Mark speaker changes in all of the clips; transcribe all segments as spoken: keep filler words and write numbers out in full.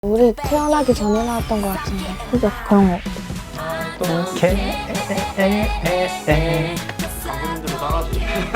Speaker 1: 우리 태어나기 전에 나왔던 것 같은데. 그죠? 그런 거.
Speaker 2: 이렇게
Speaker 3: 감독님들도 따라하시죠.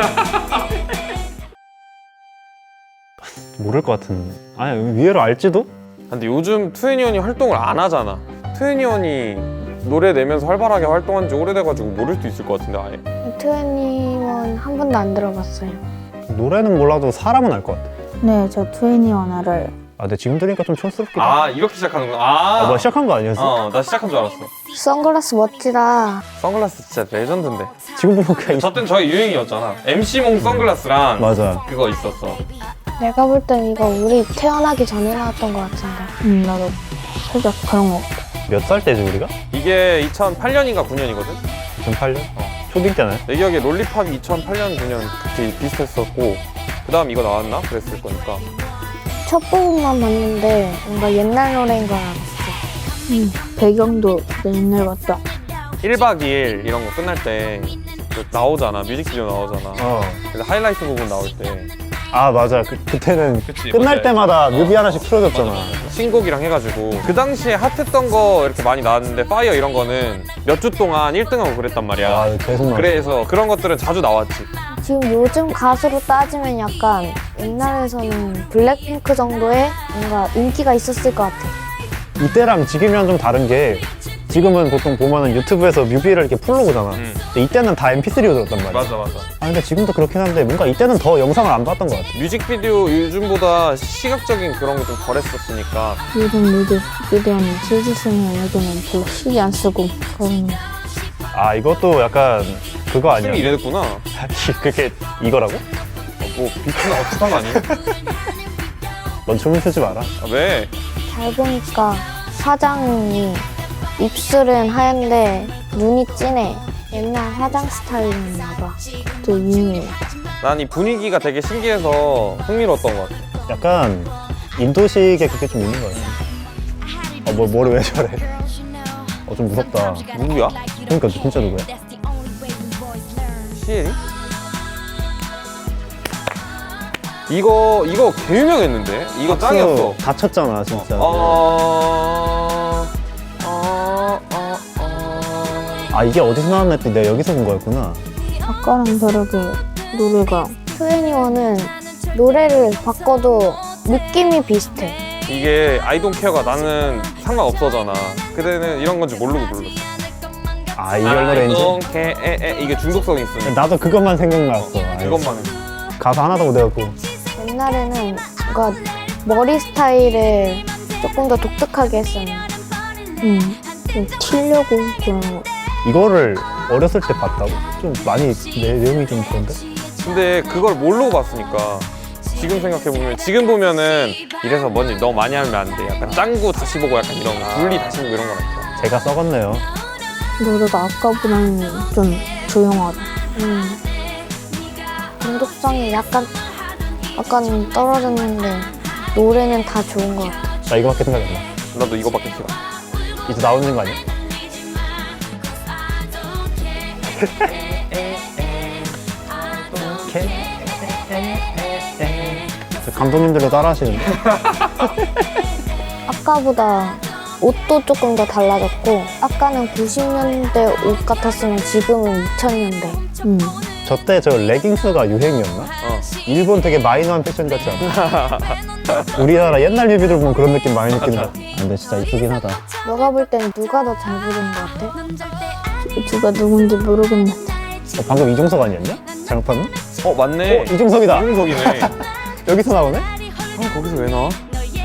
Speaker 2: 모를 것 같은. 아니 의외로 알지도?
Speaker 3: 근데 요즘 투애니원이 활동을 안 하잖아. 투애니원이 노래 내면서 활발하게 활동한 지 오래돼가지고 모를 수도 있을 것 같은데 아예.
Speaker 1: 트웬티원 한 번도 안 들어봤어요.
Speaker 2: 노래는 몰라도 사람은 알 것 같아.
Speaker 4: 네, 저 트웬티원 알아요.
Speaker 2: 아 근데 지금 들으니까 좀 촌스럽기도 하다.
Speaker 3: 아 이렇게 시작하는구나. 아,
Speaker 2: 아, 뭐 시작한 거 아니었어?
Speaker 3: 어, 나 시작한 줄 알았어.
Speaker 1: 선글라스 멋지다.
Speaker 3: 선글라스 진짜 레전드인데.
Speaker 2: 지금 보면 그냥
Speaker 3: 저 땐 저희 유행이었잖아. 엠씨몽 선글라스랑
Speaker 2: 맞아.
Speaker 3: 그거 있었어.
Speaker 1: 내가 볼 땐 이거 우리 태어나기 전에 나왔던 것 같은데.
Speaker 4: 음, 나도 살짝 그런 거.
Speaker 2: 몇 살 때지 우리가?
Speaker 3: 이게 이천팔 년인가 구 년이거든?
Speaker 2: 이천팔 년? 초딩 때네.
Speaker 3: 내 기억에 롤리팝이 이천팔 년, 구 년 그때 비슷했었고 그 다음 이거 나왔나? 그랬을 거니까.
Speaker 1: 첫 부분만 봤는데 뭔가 옛날 노래인 걸 알았어.
Speaker 4: 음, 배경도 옛날 같다.
Speaker 3: 일 박 이 일 이런 거 끝날 때 그 나오잖아. 뮤직비디오 나오잖아.
Speaker 2: 어.
Speaker 3: 그래서 하이라이트 부분 나올 때
Speaker 2: 아 맞아. 그, 그때는
Speaker 3: 그치,
Speaker 2: 끝날
Speaker 3: 뭔지
Speaker 2: 때마다 뮤비
Speaker 3: 어.
Speaker 2: 하나씩 틀어줬잖아.
Speaker 3: 신곡이랑 해가지고 그 당시에 핫했던 거 이렇게 많이 나왔는데 파이어 이런 거는 몇 주 동안 일 등하고 그랬단 말이야.
Speaker 2: 아 계속 나.
Speaker 3: 그래서 그런 것들은 자주 나왔지.
Speaker 1: 지금 요즘 가수로 따지면 약간 옛날에서는 블랙핑크 정도의 뭔가 인기가 있었을 것 같아.
Speaker 2: 이때랑 지금이랑 좀 다른 게 지금은 보통 보면은 유튜브에서 뮤비를 이렇게 풀로 보잖아.
Speaker 3: 음.
Speaker 2: 근데 이때는 다 엠피쓰리로 들었단 말이야.
Speaker 3: 맞아 맞아.
Speaker 2: 아 근데 지금도 그렇긴 한데 뭔가 이때는 더 영상을 안 봤던 것 같아.
Speaker 3: 뮤직비디오 요즘보다 시각적인 그런 게 좀 덜했었으니까.
Speaker 4: 요즘 뮤직비디오는 실제 쓰는 여기는 별로 신경 안 쓰고 그런 거.
Speaker 2: 아 이것도 약간 그거 아니야?
Speaker 3: 춤이 이랬구나. 어,
Speaker 2: 그게 이거라고?
Speaker 3: 뭐 비슷한 어떡한 거 아니야?
Speaker 2: 넌 춤을 추지 마라.
Speaker 3: 아, 왜?
Speaker 1: 잘 보니까 화장이 입술은 하얀데 눈이 진해. 옛날 화장 스타일이었나 봐.
Speaker 4: 또 유명해.
Speaker 3: 난 이 분위기가 되게 신기해서 흥미로웠던 것 같아.
Speaker 2: 약간 인도식에 그게 좀 있는 거 같아. 어, 뭐, 뭐를 왜 저래? 어, 좀 무섭다.
Speaker 3: 누구야?
Speaker 2: 그러니까 진짜 누구야?
Speaker 3: 시엘이? 이거 이거 개 유명했는데? 이거 짱이었어.
Speaker 2: 다쳤잖아, 진짜.
Speaker 3: 어... 어... 어... 어...
Speaker 2: 아, 이게 어디서 나왔나 했더니 내가 여기서 본 거였구나.
Speaker 4: 아까랑 다르게 노래가
Speaker 1: 트웬티원은 노래를 바꿔도 느낌이 비슷해.
Speaker 3: 이게 I don't care가 나는 상관없어잖아. 그때는 이런 건지 모르고 불렀어.
Speaker 2: 아, 이걸 노래인지?
Speaker 3: I don't care 에, 에, 이게 중독성이 있으니까.
Speaker 2: 나도 그것만 생각났어. 아,
Speaker 3: 그것만.
Speaker 2: 가사 하나도 못 외웠고.
Speaker 1: 옛날에는 뭔가 머리 스타일을 조금 더 독특하게 했었는데.
Speaker 4: 음, 좀 튀려고 그런 거.
Speaker 2: 이거를 어렸을 때 봤다고? 좀 많이 내, 내용이 좀 그런데?
Speaker 3: 근데 그걸 모르고 봤으니까 지금 생각해보면 지금 보면은 이래서 뭔지 너무 많이 하면 안 돼. 약간 짱구 다시 보고 약간 이런 거 분리 다시 보고 이런 거니까.
Speaker 2: 제가 썩었네요.
Speaker 4: 노래가 아까보다는 좀 조용하다.
Speaker 1: 음. 중독성이 약간 약간 떨어졌는데 노래는 다 좋은 것 같아.
Speaker 2: 나 이거밖에 생각이 안 나.
Speaker 3: 나도 이거밖에 기억 안 나.
Speaker 2: 이제 나오는 거 아니야? 저 감독님들도 따라하시는데?
Speaker 1: 아까보다 옷도 조금 더 달라졌고 아까는 구십 년대 옷 같았으면 지금은 이천 년대.
Speaker 4: 음,
Speaker 2: 저 때 저 레깅스가 유행이었나?
Speaker 3: 어.
Speaker 2: 일본 되게 마이너한 패션 같지 않아? 우리나라 옛날 뮤비들 보면 그런 느낌 많이 느낀다. 아, 근데 진짜 이쁘긴 하다.
Speaker 1: 너가 볼 땐 누가 더 잘 부르는 것 같아?
Speaker 4: 누가 누군지 모르겠는데.
Speaker 2: 어, 방금 이종석 아니었냐? 잘못 봤나?
Speaker 3: 어 맞네.
Speaker 2: 어, 이종석이다.
Speaker 3: 이중석이네.
Speaker 2: 여기서 나오네?
Speaker 3: 아 거기서 왜 나와?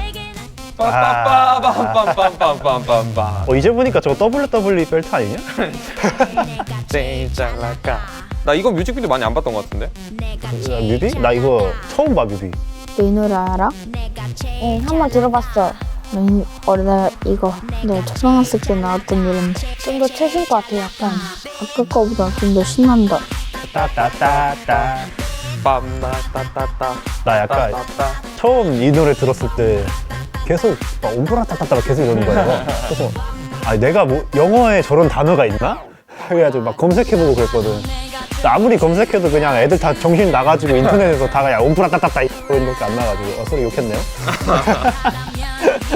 Speaker 2: 아.
Speaker 3: 빠빠빠밤빰빰빰빰빰빰.
Speaker 2: 어, 이제 보니까 저거 더블유더블유이 벨트 아니냐?
Speaker 3: 제일 잘 나가. 나 이거 뮤직비디오 많이 안 봤던 것 같은데?
Speaker 2: 야, 뮤비? 나 이거 처음 봐, 뮤비.
Speaker 4: 너 이 노래 알아?
Speaker 1: 응, 한번 들어봤어.
Speaker 4: 나 이, 어려 나 이거 내가 초등학생 때 나왔던 노래인데
Speaker 1: 좀 더 최신 것 같아, 약간.
Speaker 4: 아까 거보다 좀 더 신난다.
Speaker 2: 따따따따.
Speaker 3: 빰따따따따.
Speaker 2: 나 약간
Speaker 3: 따따따.
Speaker 2: 처음 이 노래 들었을 때 계속 막 오브라따따따 계속 이러는 거야. 그래서 아 내가 뭐 영어에 저런 단어가 있나? 그래가지고 막 검색해보고 그랬거든. 근데 아무리 검색해도 그냥 애들 다 정신 나가지고 인터넷에서 다 그냥 오브라따따따 이런 것밖에 안 나가지고 어, 소리 욕했네요.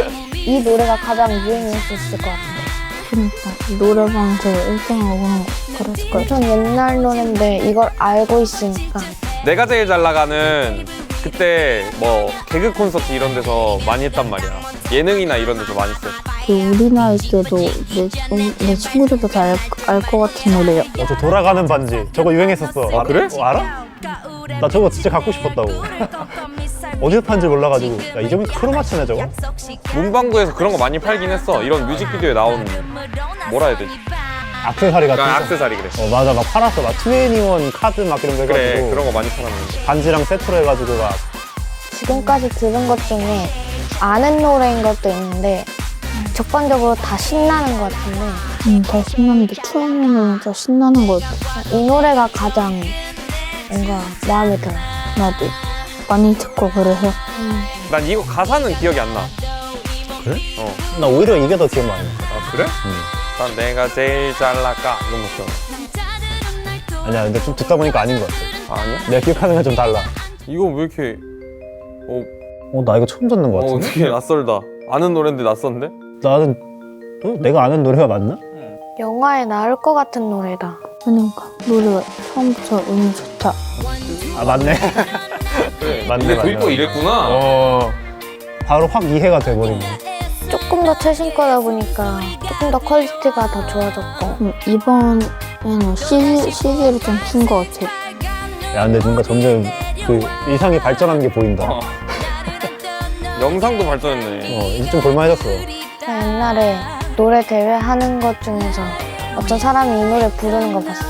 Speaker 1: 이 노래가 가장 유행했었을 것 같은데.
Speaker 4: 그러니까 노래방에서 일 등하고 그런 거 그랬을 거야.
Speaker 1: 엄청 옛날 노래인데 이걸 알고 있으니까.
Speaker 3: 내가 제일 잘 나가는 그때 뭐 개그 콘서트 이런 데서 많이 했단 말이야. 예능이나 이런 데서 많이 했어요.
Speaker 4: 그 우리 나이 때도 내, 음, 내 친구들도 다 알 것 같은 노래야.
Speaker 2: 어, 저 돌아가는 반지 저거 유행했었어.
Speaker 3: 아, 그래?
Speaker 2: 어, 알아? 나 저거 진짜 갖고 싶었다고. 어디서 판지 몰라가지고. 야, 이 점이 크로마치네 저거?
Speaker 3: 문방구에서 그런 거 많이 팔긴 했어. 이런 뮤직비디오에 나온 뭐라 해야 되지?
Speaker 2: 액세서리 같은
Speaker 3: 그러니까
Speaker 2: 거.
Speaker 3: 액세서리 그래.
Speaker 2: 어 맞아, 막 팔았어. 막 투애니원 카드 막 이런 거 해가지고.
Speaker 3: 그래 그런 거 많이 팔았는데.
Speaker 2: 반지랑 세트로 해가지고 막.
Speaker 1: 지금까지 들은 것 중에 아는 노래인 것도 있는데 적반적으로 다 신나는 것 같은데
Speaker 4: 응, 더 신나는데 투애니원은 더 신나는 것 같아.
Speaker 1: 이 노래가 가장 뭔가 마음에 들어.
Speaker 4: 나도 많이 듣고 그래서.
Speaker 3: 난 이거 가사는 기억이 안 나.
Speaker 2: 그래?
Speaker 3: 어.
Speaker 2: 나 오히려 이게 더 기억 많이 나.
Speaker 3: 아 그래?
Speaker 2: 응.
Speaker 3: 난 내가 제일 잘 나가 이런 거 기억.
Speaker 2: 아니야, 근데 좀 듣다 보니까 아닌 것 같아.
Speaker 3: 아, 아니야?
Speaker 2: 내가 기억하는 건 좀 달라.
Speaker 3: 이거 왜 이렇게 어,
Speaker 2: 어, 나 이거 처음 듣는 것
Speaker 3: 어
Speaker 2: 같은데?
Speaker 3: 어떻게 낯설다. 아는 노래인데 낯선데?
Speaker 2: 나는 어? 내가 아는 노래가 맞나?
Speaker 1: 영화에 나올 것 같은 노래다.
Speaker 4: 그러니까 노래가 처음부터 운이 좋다.
Speaker 2: 아 맞네.
Speaker 3: 그래.
Speaker 2: 맞네,
Speaker 3: 근데
Speaker 2: 맞네.
Speaker 3: 도입부 이랬구나.
Speaker 2: 어 바로 확 이해가 돼버리네.
Speaker 1: 조금 더 최신 거다 보니까 조금 더 퀄리티가 더 좋아졌고
Speaker 4: 음, 이번에는 씨디, 씨디를 좀 푼 것 같아.
Speaker 2: 야 근데 뭔가 점점 그 이상이 발전하는 게 보인다.
Speaker 3: 어. 영상도 발전했네.
Speaker 2: 어 이제 좀 볼만해졌어.
Speaker 1: 나 옛날에 노래 대회 하는 것 중에서 어떤 사람이 이 노래 부르는 거 봤어.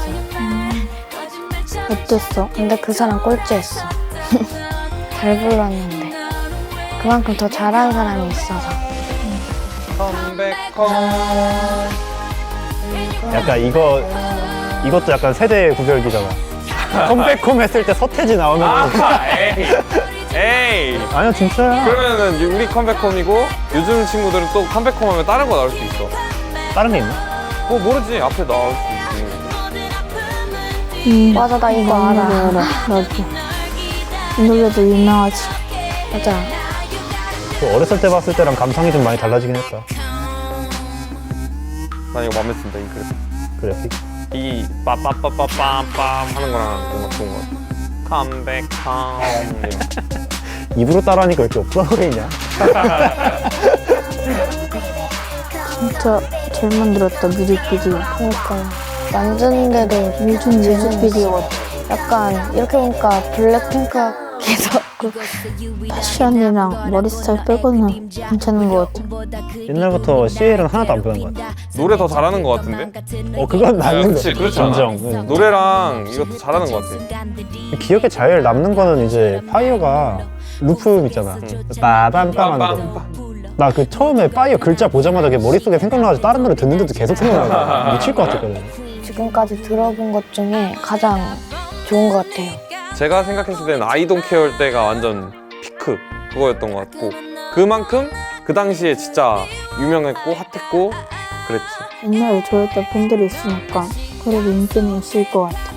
Speaker 4: 어땠어?
Speaker 1: 근데 그 사람 꼴찌했어. 잘 불렀는데 그만큼 더 잘하는 사람이 있어서.
Speaker 3: 컴백홈.
Speaker 2: 약간 이거 이것도 약간 세대 구별기잖아. 컴백홈 했을 때 서태지 나오면
Speaker 3: 아, 에이. 에이.
Speaker 2: 아니야 진짜야.
Speaker 3: 그러면은 우리 컴백홈이고 요즘 친구들은 또 컴백홈 하면 다른 거 나올 수 있어.
Speaker 2: 다른 게 있나?
Speaker 3: 뭐 모르지. 앞에 나올 수 있지.
Speaker 4: 음,
Speaker 1: 맞아, 나 이거
Speaker 4: 나 이
Speaker 1: 알아.
Speaker 4: 노래 알아. 나도. 이 노래도 유명하지.
Speaker 1: 맞아.
Speaker 2: 그 어렸을 때 봤을 때랑 감상이 좀 많이 달라지긴 했다.
Speaker 3: 난 이거 맘에 든다. 이 그래.
Speaker 2: 그래픽.
Speaker 3: 이 빠빠빠빠빰빰 하는 거랑 뭔가 좋은 거 같아. 컴백홈.
Speaker 2: 입으로 따라하니까 왜 이렇게 프로그램이냐?
Speaker 4: 진짜 잘 만들었다, 뮤직비디오.
Speaker 1: 그러니까 만드는데도
Speaker 4: 요즘 뮤직비디오 같아.
Speaker 1: 약간 이렇게 보니까 블랙핑크에서
Speaker 4: 패션이랑 머리 스타일 빼고는 괜찮은 것 같아.
Speaker 2: 옛날부터 씨엘은 하나도 안 보는 것 같아.
Speaker 3: 노래 더 잘하는 거 같은데?
Speaker 2: 어 그건
Speaker 3: 아,
Speaker 2: 맞는
Speaker 3: 그치,
Speaker 2: 거.
Speaker 3: 그렇지 않아?
Speaker 2: 인정. 응.
Speaker 3: 노래랑 이것도 잘하는 거 같아.
Speaker 2: 기억에 제일 남는 거는 이제 파이어가 루프 있잖아. 빠밤빰 하는 거.
Speaker 3: 빰빰빰.
Speaker 2: 나 그 처음에 파이어 글자 보자마자 그게 머릿속에 생각나가지고 다른 노래 듣는데도 계속 생각나고 미칠 것 같았거든.
Speaker 1: 지금까지 들어본 것 중에 가장 좋은 것 같아요.
Speaker 3: 제가 생각했을 때는 아이 돈 케어일 때가 완전 피크 그거였던 것 같고 그만큼 그 당시에 진짜 유명했고 핫했고 그랬지.
Speaker 4: 옛날에 좋아했던 팬들이 있으니까 그래도 인기는 있을 것 같아.